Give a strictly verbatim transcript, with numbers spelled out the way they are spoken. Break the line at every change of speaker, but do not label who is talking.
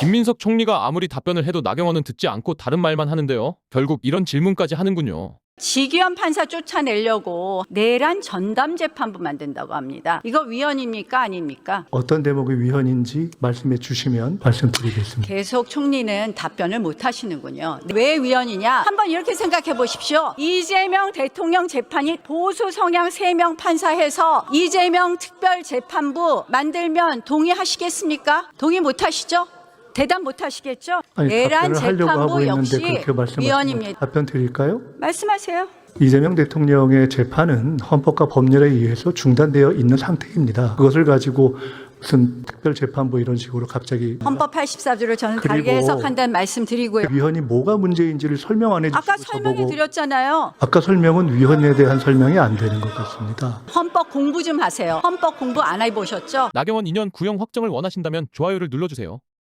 김민석 총리가 아무리 답변을 해도 나경원은 듣지 않고 다른 말만 하는데요. 결국 이런 질문까지 하는군요.
지기현 판사 쫓아내려고 내란 전담 재판부 만든다고 합니다. 이거 위헌입니까? 아닙니까?
어떤 대목이 위헌인지 말씀해 주시면 말씀드리겠습니다.
계속 총리는 답변을 못 하시는군요. 왜 위헌이냐? 한번 이렇게 생각해 보십시오. 이재명 대통령 재판이 보수 성향 세 명 판사해서 이재명 특별재판부 만들면 동의하시겠습니까? 동의 못 하시죠? 대답 못 하시겠죠?
아니,
내란
답변을 하려고 하고
재판부
있는데
역시
그렇게 말씀하시면
위헌입니다.
답변 드릴까요?
말씀하세요.
이재명 대통령의 재판은 헌법과 법률에 의해서 중단되어 있는 상태입니다. 그것을 가지고 무슨 특별재판부 이런 식으로 갑자기
헌법 팔십사 조를 저는
그리고
다르게 해석한다는 말씀 드리고요.
위헌이 뭐가 문제인지를 설명 안 해주시고
아까 설명해
저보고
드렸잖아요.
아까 설명은 위헌에 대한 설명이 안 되는 것 같습니다.
헌법 공부 좀 하세요. 헌법 공부 안 해보셨죠?
나경원 이 년 구형 확정을 원하신다면 좋아요를 눌러주세요.